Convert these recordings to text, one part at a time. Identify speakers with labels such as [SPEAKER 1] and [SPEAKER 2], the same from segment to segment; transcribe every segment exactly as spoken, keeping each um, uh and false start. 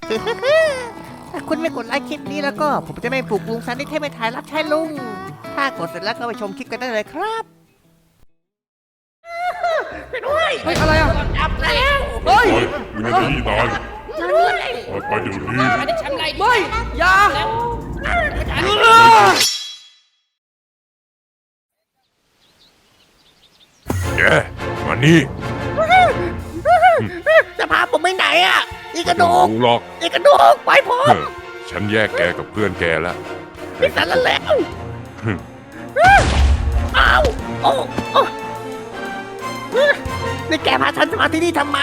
[SPEAKER 1] ถ้าคุณไม่กดไลค์คลิปนี้แล้วก็ผมจะไม่ปลุกลุงซันที่เทพไม่ถ่ายรับใช้ลุงถ้ากดเสร็จแล้วก็ไปชมคลิปกันได้เลยครับไปด้วย
[SPEAKER 2] เฮ้ยอะไรอ่ะ
[SPEAKER 1] จับแล้ว
[SPEAKER 2] เฮ้ย
[SPEAKER 3] วินาทีตายไปเดี๋ยวนี้
[SPEAKER 4] ไม่ได้ฉันไล่
[SPEAKER 2] ไม่อย่า
[SPEAKER 4] แล้ว
[SPEAKER 3] แกมานี่
[SPEAKER 1] จะพาผมไปไหนอ่ะอีกระดูก
[SPEAKER 3] รู้หรอก
[SPEAKER 1] อีกระดูกไปผม
[SPEAKER 3] เฮ้ยฉันแยกแกกับเพื่อนแกแล้ว
[SPEAKER 1] พี่สันละแล้วอ้าวโอ้โอ้นี่แกพาฉันมาที่นี่ทำไม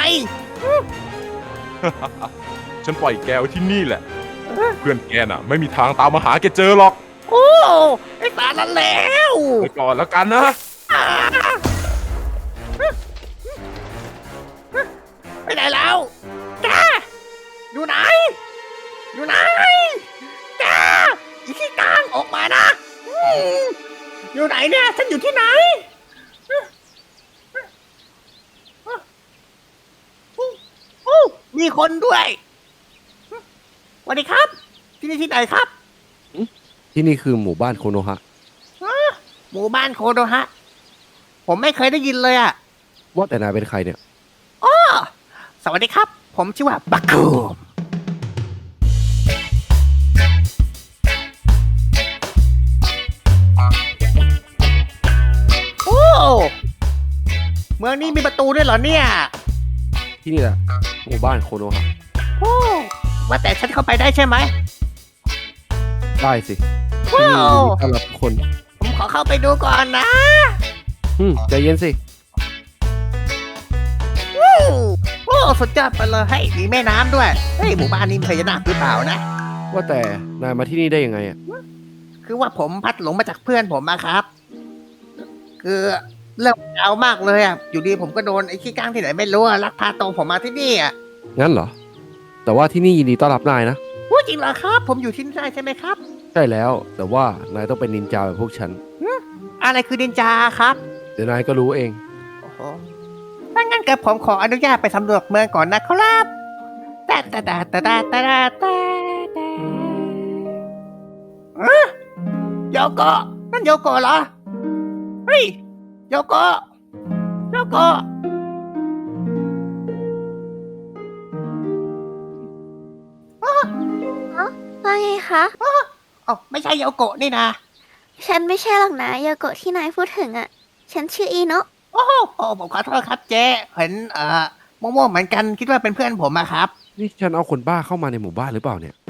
[SPEAKER 3] ฉันปล่อยแกไว้ที่นี่แหละ เพื่อนแกน่ะ ไม่มีทางตามมาหาแกเจอหรอก
[SPEAKER 1] โอ้ไอ้สารละแล้ว
[SPEAKER 3] ไปก่อนแล้วกันนะ
[SPEAKER 1] ไปไหนแล้วแกอยู่ไหน อยู่ไหนแกอีขี้กลางออกมานะอืมอยู่ไหนเนี่ยฉันอยู่ที่ไหนโอ้มีคนด้วยสวัสดีครับ ที่นี่ที่ไหนครับ
[SPEAKER 2] ที่นี่คือหมู่บ้านโคโนฮะ
[SPEAKER 1] หมู่บ้านโคโนฮะ ผมไม่เคยได้ยินเลยอ่ะ
[SPEAKER 2] ว่าแต่นายเป็นใครเนี่ย
[SPEAKER 1] อ้อสวัสดีครับ ผมชื่อว่าบักคูมโอ้เมืองนี้มีประตูด้วยเหรอเนี่ย
[SPEAKER 2] ที่นี่แหละหมู่บ้านโคโนฮะ
[SPEAKER 1] โอ้ว่าแต่ฉันเข้าไปได้ใช่ไหม
[SPEAKER 2] ได้สิที่นี่ยินดีต้อนรับทุกคน
[SPEAKER 1] ผมขอเข้าไปดูก่อนนะ
[SPEAKER 2] อืมใจเย็นสิ
[SPEAKER 1] โอ้โอ้สุดยอดไปเลยให้ยมีแม่น้ำด้วยเฮ้ยหมู่บ้านนี้มีพญานาคหรือเปล่านะ
[SPEAKER 2] ว่าแต่นายมาที่นี่ได้ยังไงอ่ะ
[SPEAKER 1] คือว่าผมพัดหลงมาจากเพื่อนผมอะครับ คือเรื่องยาวมากเลยอะอยู่ดีผมก็โดนไอ้ขี้ก้างที่ไหนไม่รู้อะลักพาตัวผมมาที่นี่อะ
[SPEAKER 2] งั้นเหรอ แต่ว่าที่นี่ยินดีต้อนรับนายนะ
[SPEAKER 1] พูดจริงเหรอครับ ผมอยู่ที่นี่ได้ใช่ไหมครับ
[SPEAKER 2] ใช่แล้ว แต่ว่านายต้องเป็นนินจาแบบพวกฉัน
[SPEAKER 1] อะไรคือดินจาครับ
[SPEAKER 2] เดี๋ยวนายก็รู้เอง
[SPEAKER 1] โอ้โหถ้างั้นกับผมขออนุญาตไปสำรวจเมืองก่อนนะครับแต่แต่แต่แต่แต่แต่แต่แต่อะโยโกะนั่นโยโกะเหรอ เฮ้ยโยโกะโยโกะ
[SPEAKER 5] ว่าไงคะ
[SPEAKER 1] เอ้าไม่ใช่โยโกะนี่นะ
[SPEAKER 5] ฉันไม่ใช่หรอกนะโยโกะที่นายพูดถึงอ่ะ ฉันชื่ออีโนะ
[SPEAKER 1] โอ้โหโอ้ผมขอโทษครับเจ๊เห็นเอ่อม่วงๆเหมือนกันคิดว่าเป็นเพื่อนผมอะครับ
[SPEAKER 2] นี่ฉันเอาคนบ้าเข้ามาในหมู่บ้านหรือเปล่าเนี่ย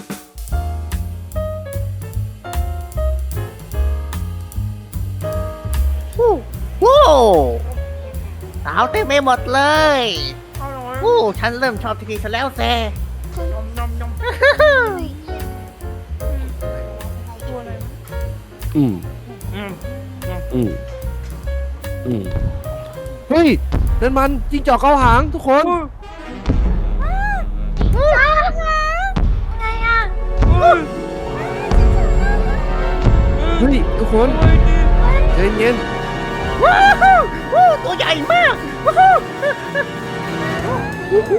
[SPEAKER 1] วู้สาวเต็มไปหมดเลยวู้ฉันเริ่มชอบทีนี้ซะแล้วแซ่
[SPEAKER 2] อืม อืม อืม เฮ้ย นั่นมันจิ้งจอกเกาหางทุกคน
[SPEAKER 5] ไงอ่ะ
[SPEAKER 2] เฮ้ย ทุกคนใจเย็น
[SPEAKER 1] ว้าววู้ตัวใหญ่มากว้าวโอ้โห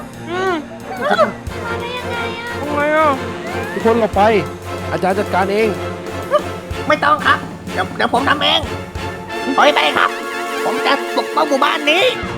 [SPEAKER 5] มาได้ยังไงอ่ะ
[SPEAKER 2] ทำไงอ่ะ ทุกคนเราไป อาจารย์จัดการเอง
[SPEAKER 1] ไม่ต้องครับ เดี๋ยวเดี๋ยวผมทำเองถอยไปครับ ผมจะปกป้องหมู่บ้านนี้